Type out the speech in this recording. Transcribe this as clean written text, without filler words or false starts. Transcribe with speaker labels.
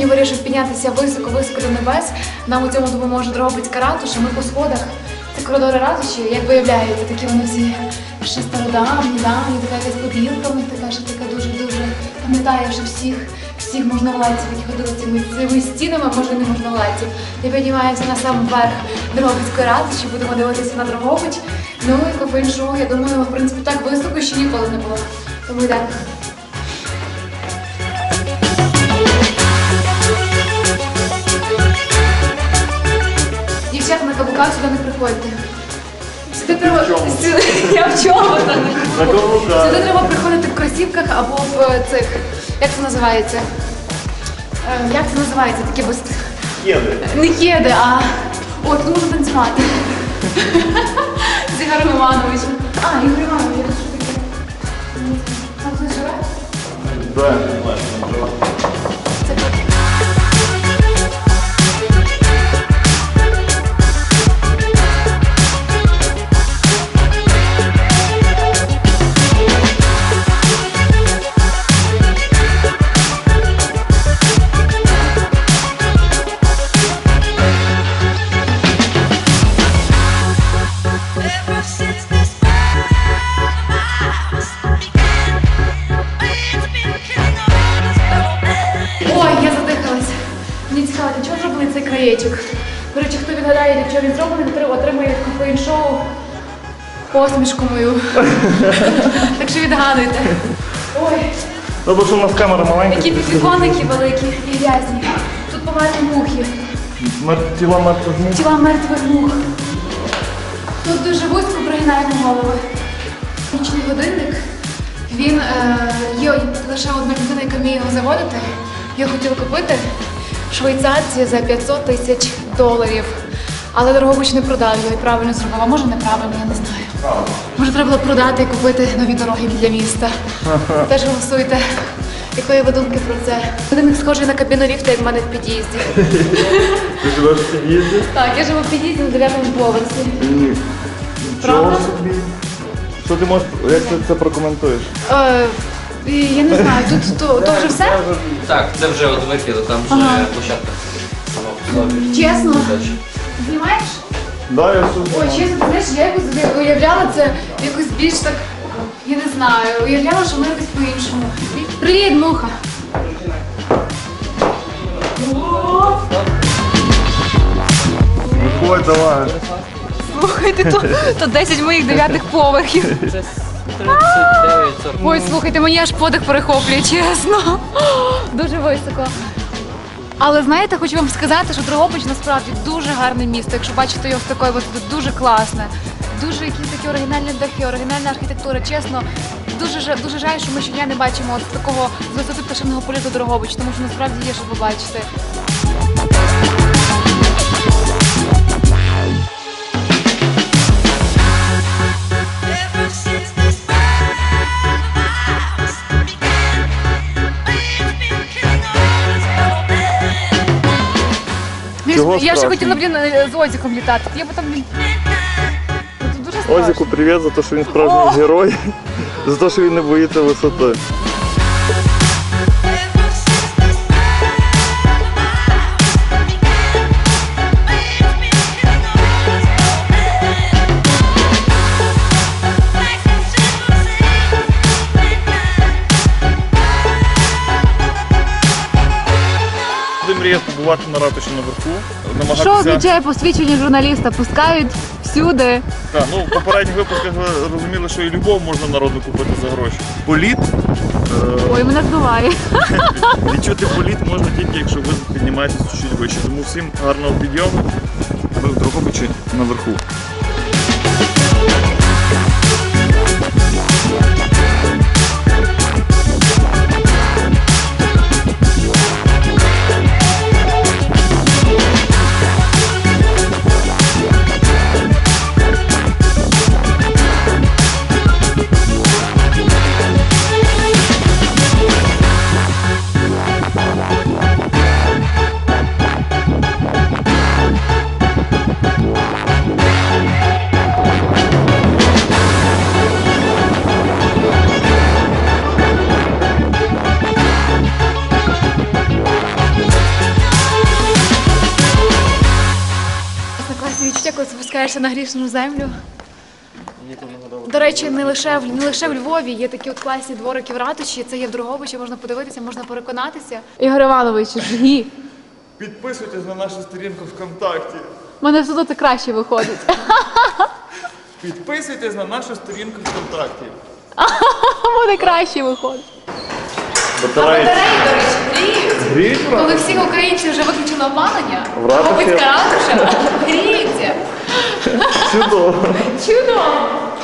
Speaker 1: сьогодні вирішив піднятися високо-високо до небес. Нам у цьому допоможе Дрогобицька ратуша. Ми по сходах. Це коридори ратуші, як виявляєте, такі вони всі ще стародавні, така якась побілка в них така, що така дуже-дуже пам'ятає, що всіх можновладців, які ходили цими стінами, може не можновладців. І піднімаємося на сам верх Дрогобицької ратуші, будемо дивитися на Дрогобич. Ну і кофейн-шоу, я думаю, в принципі, так високо ще ніколи не було. Тому йдемо. Дівчата на каблуках сюди не приходьте. Сюди треба... Я в чому? Сюди треба приходити в кросівках або в цих... Як це називається? Як це називається? Такі без...
Speaker 2: Кеди.
Speaker 1: Не кеди, а... О, тут можна танцювати. З Ігорем Івановичем. А, Ігор Іванович, що таке? Там хтось живе?
Speaker 2: Да.
Speaker 1: Краєчок. До речі, хто відгадає, для чого він зроблений, отримає від кофеїн-шоу посмішку мою. Так що відгадуйте. Ой.
Speaker 2: Добре, що у нас камера маленька.
Speaker 1: Які підвіконники великі і грязні. Тут померли мухи.
Speaker 2: Тіла мертвих мух.
Speaker 1: Тіла мертвих мух. Тут дуже вузько пригинаємо голови. Нічний годинник. Він є лише одна людина, яка вміє його заводити. Я хотіла купити. Швейцарці за 500 тисяч доларів. Але Дрогобич не продав його і правильно зробив. А може неправильно, я не знаю. Може треба було продати і купити нові дороги для міста. Теж голосуйте. Якої ви думки про це? Годинник схожий на кабіну ліфта, як в мене в під'їзді.
Speaker 2: Ти живеш в під'їзді?
Speaker 1: Так, я живу в під'їзді на 9-му поверсі.
Speaker 2: Правда? Що ти можеш, як ти це прокоментуєш?
Speaker 1: Я не знаю, тут то вже все?
Speaker 3: Так, це вже от викиду, там вже площадка сама по собі.
Speaker 1: Чесно? Знімаєш?
Speaker 2: Да, я все
Speaker 1: Ой, чесно, ти знаєш, я якось уявляла це якось більш так, я не знаю, уявляла, що воно якось по-іншому. Привіт, муха!
Speaker 2: Виходь, давай.
Speaker 1: Слухайте, то 10 моїх 9-х поверхів.
Speaker 3: 39, 40.
Speaker 1: Ой, слухайте, мені аж подих перехоплює, чесно. Дуже високо. Але знаєте, хочу вам сказати, що Дрогобич насправді дуже гарне місто. Якщо бачите його з такої висоти, дуже класне. Дуже якісь такі оригінальні дахи, оригінальна архітектура. Чесно, дуже жаль, що ми щодня не бачимо от такого з висоти пташиного польоту Дрогобич, тому що насправді є, що побачити. Я ще хотіла, з Озіком літати. Я б там... Це дуже страшно.
Speaker 2: Озіку привіт за те, що він справжній герой, за те, що він не боїться висоти. Мріяв побувати на ратуші наверху.
Speaker 1: Що означає посвідчення журналіста? Пускають всюди.
Speaker 2: Так, ну в попередніх випусках ви розуміли, що і любов можна народу купити за гроші. Політ.
Speaker 1: Ой, мене здуває.
Speaker 2: Відчути політ можна тільки, якщо ви піднімаєтесь чуть вище. Тому всім гарного підйому. Ви в Дрогобичі наверху.
Speaker 1: повертаєшся на грішну землю. До речі, не лише в Львові є такі от класні дворики в ратуші, це є в Дрогобичі, можна подивитися, можна переконатися. Ігор Іванович, жгі.
Speaker 2: Підписуйтесь на нашу сторінку ВКонтакті.
Speaker 1: У мене все одно це краще виходить.
Speaker 2: Підписуйтесь на нашу сторінку ВКонтакті.
Speaker 1: Буде краще виходить.
Speaker 2: Батареї,
Speaker 1: До речі, гріють.
Speaker 2: гріють,
Speaker 1: Коли всі українці вже виключили опалення,
Speaker 2: В ратуші?
Speaker 1: Дрогобицька ратуша гріється.
Speaker 2: Чудово.
Speaker 1: Чудово.